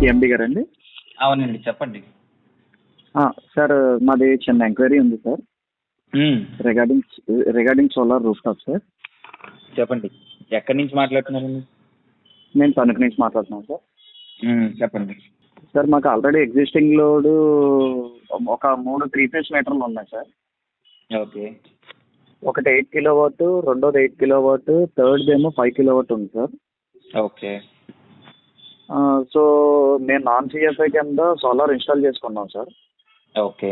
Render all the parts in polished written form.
ఎండి గారండి? అవునండి, చెప్పండి. సార్, మాది చిన్న ఎంక్వైరీ ఉంది sir. Um, regarding solar rooftop sir. చెప్పండి. ఎక్కడి నుంచి మాట్లాడుతున్నారండి? నేను తణుకు నుంచి మాట్లాడుతున్నాను సార్. చెప్పండి. సార్, మాకు ఆల్రెడీ ఎగ్జిస్టింగ్ లోడ్ ఒక 3 3 ఫేజ్ మీటర్లు ఉన్నాయి సార్. ఓకే. ఒకటి 8 కిలోవాట్, రెండోది 8 కిలోవాట్, థర్డ్ ఏమో 5 కిలోవాట్ ఉంది సార్. ఓకే. సో నేను నాన్ సిఎఫ్ఐ కింద సోలార్ ఇన్స్టాల్ చేసుకున్నాం సార్. ఓకే.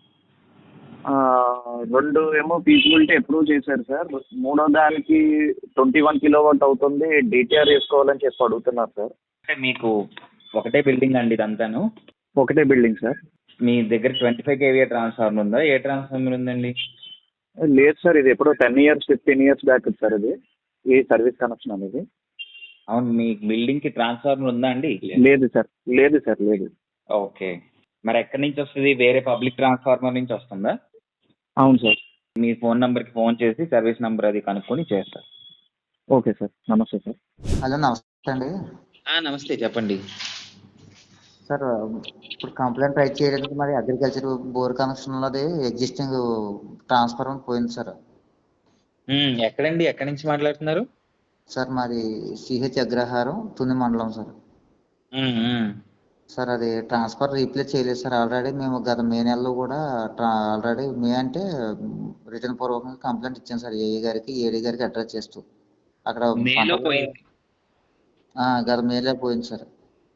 రెండు ఏమో ఫీజిబిలిటీ అప్రూవ్ చేశారు సార్. మూడో దానికి 21 కిలోవాట్ అవుతుంది, డిటిఆర్ వేసుకోవాలని చెప్పి అడుగుతున్నారు సార్. అంటే మీకు ఒకటే బిల్డింగ్ అండి ఇదంతాను? ఒకటే బిల్డింగ్ సార్. మీ దగ్గర 25 kVA ట్రాన్స్ఫార్మర్ ఉందా? ఏ ట్రాన్స్ఫార్మర్ ఉందండి? లేదు సార్, ఇది ఎప్పుడో 10 years 15 years బ్యాక్ సార్. ఇది ఈ సర్వీస్ కనెక్షన్ అనేది. అవును, మీ బిల్డింగ్ కి ట్రాన్స్ఫార్మర్ ఉందా అండి? లేదు సార్, లేదు సార్, లేదు. ఓకే. మరి ఎక్కడి నుంచి వస్తుంది? వేరే పబ్లిక్ ట్రాన్స్ఫార్మర్ నుంచి వస్తుందా? అవును సార్. మీ ఫోన్ నంబర్కి ఫోన్ చేసి సర్వీస్ నంబర్ అది కనుక్కొని చేస్తారు. ఓకే సార్, నమస్తే సార్. హలో, నమస్తే అండి. నమస్తే, చెప్పండి. సార్, ఇప్పుడు కంప్లైంట్ రైట్ చేయడానికి మరి అగ్రికల్చర్ బోర్ కనెక్షన్లోది ఎగ్జిస్టింగ్ ట్రాన్స్ఫార్మర్ పోయింది సార్. ఎక్కడండి? ఎక్కడి నుంచి మాట్లాడుతున్నారు? సార్, మాది సిహెచ్ అగ్రహారం, తుని మండలం సార్. సార్, అది ట్రాన్స్ఫర్ రీప్లేస్ చేయలేదు సార్. ఆల్రెడీ మేము గత మే నెలలో కూడా ఆల్రెడీ మే అంటే రిటర్న్ పూర్వకంగా కంప్లైంట్ ఇచ్చాం సార్. ఏఈ గారికి, ఏడీ గారికి అడ్రస్ చేస్తూ అక్కడ మేలో పోయింది. గత మేలో పోయింది సార్.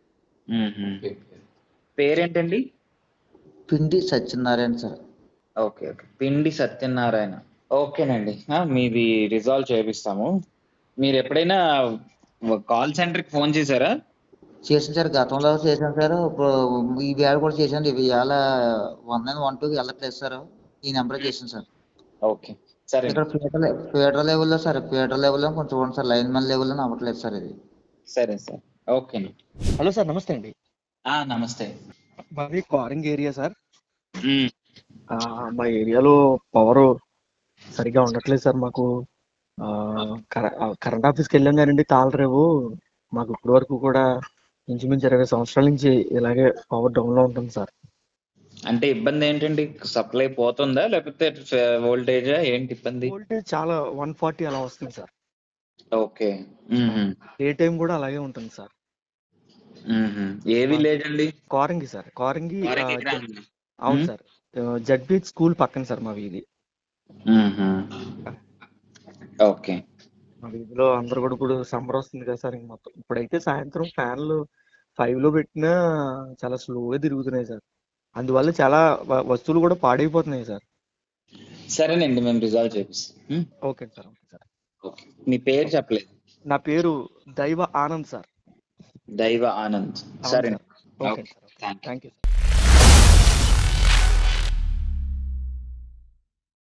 పేరేంటండి? పిండి సత్యనారాయణ సార్. ఓకే ఓకే, పిండి సత్యనారాయణ. ఓకేనండి, మీది రిజాల్వ్ చేపిస్తాము. మీరు ఎప్పుడైనా కాల్ సెంటర్కి ఫోన్ చేశారా? చేసాను సార్, గతంలో చేశాను సార్. ఇప్పుడు ఈ వేళ కూడా చేశాను. ఇవాళ 1912 వెళ్ళట్లేదు సార్. ఈ నెంబర్ చేశాను సార్. ఓకే, సరే. ఇక్కడ ఫీడర్ లెవెల్లో సార్, ఫీడర్ లెవెల్లో కొంచెం చూడండి సార్. లైన్ మ్యాన్ లెవెల్లో అవ్వట్లేదు సార్ ఇది. సరే సార్, ఓకే. హలో సార్, నమస్తే అండి. నమస్తే. మాది కారింగ్ ఏరియా సార్. మా ఏరియాలో పవర్ సరిగా ఉండట్లేదు సార్. మాకు కరెంట్ ఆఫీస్కి వెళ్ళాం కానండి, తాళరేవు. మాకు ఇప్పటి వరకు కూడా ఇంచుమించు 20 సంవత్సరాల నుంచి ఇలాగే పవర్ డౌన్ లో ఉంటుంది సార్. అంటే ఇబ్బంది ఏంటండి? సప్లై పోతుందా లేకపోతే వోల్టేజా? ఏంటి ఇబ్బంది? వోల్టేజ్ చాలా 140 అలా వస్తుంది సార్. ఓకే. ఏ టైం కూడా అలాగే ఉంటుంది సార్. ఏ విలేజ్ అండి? కారింగి సార్, కారింగి. అవును సార్, జడ్బీహెచ్ స్కూల్ పక్కన సార్ మా వీధి. ఓకే. మా వీధిలో అందరు కూడా ఇప్పుడు సమ్మర్ వస్తుంది కదా సార్. ఇంక మొత్తం ఇప్పుడైతే సాయంత్రం ఫ్యాన్లు 5 లో పెట్టినా చాలా స్లోగా తిరుగుతున్నాయి సార్. అందువల్ల చాలా వస్తువులు కూడా పాడైపోతున్నాయి సార్. సరేనండి, మేము రిజాల్వ్ చేపిస్తాం. Okay sir, okay sir. Okay, మీ పేరు చెప్పలేదు. నా పేరు దైవ ఆనంద్ సార్. దైవ ఆనంద్. సరే. Okay sir, thank you sir.